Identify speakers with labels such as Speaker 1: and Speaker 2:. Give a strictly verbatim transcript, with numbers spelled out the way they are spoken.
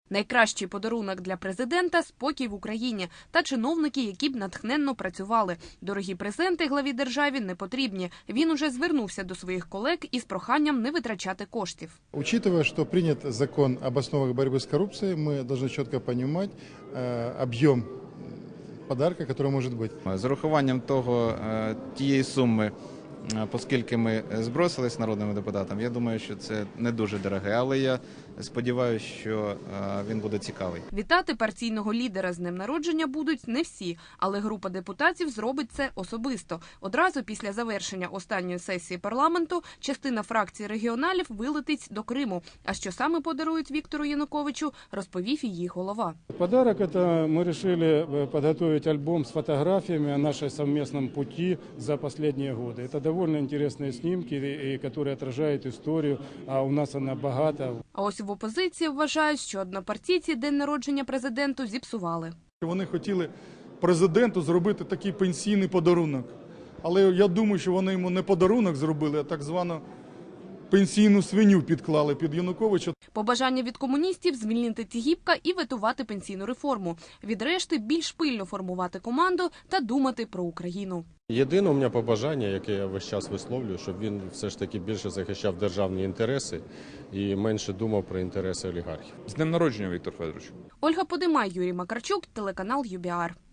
Speaker 1: Найкращий подарунок для президента – спокій в Україні та чиновники, які б натхненно працювали. Дорогі презенти главі держави не потрібні. Він уже звернувся до своїх колег із проханням не витрачати коштів.
Speaker 2: Учитывая, что принят закон об основах борьбы с коррупцией, мы должны четко понимать объем подарка, который может быть.
Speaker 3: З урахуванням того, тієї суми, оскільки ми збросились народними депутатами, я думаю, що це не дуже дороге, але я сподіваюся, що він буде цікавий.
Speaker 1: Вітати партійного лідера з днем народження будуть не всі, але група депутатів зробить це особисто. Одразу після завершення останньої сесії парламенту частина фракції регіоналів вилетить до Криму. А що саме подарують Віктору Януковичу, розповів її голова.
Speaker 4: Подарок – это мы решили подготовить альбом с фотографиями о нашем совместном пути за последние годы. Это довольно интересные снимки, которые отражают историю, а у нас она богата.
Speaker 1: А ось в опозиції вважають, що однопартійці день народження президенту зіпсували.
Speaker 5: Вони хотіли президенту зробити такий пенсійний подарунок. Але я думаю, що вони йому не подарунок зробили, а так звану пенсійну свиню підклали під Януковича.
Speaker 1: Побажання від комуністів – звільнити Тігіпка і ветувати пенсійну реформу. Від решти – більш пильно формувати команду та думати про Україну.
Speaker 6: Єдине у мене побажання, яке я весь час висловлюю, щоб він все ж таки більше захищав державні інтереси і менше думав про інтереси олігархів.
Speaker 7: З днем народження, Віктор Федорович.
Speaker 1: Ольга Подимай, Юрій Макарчук, телеканал ю бі ар.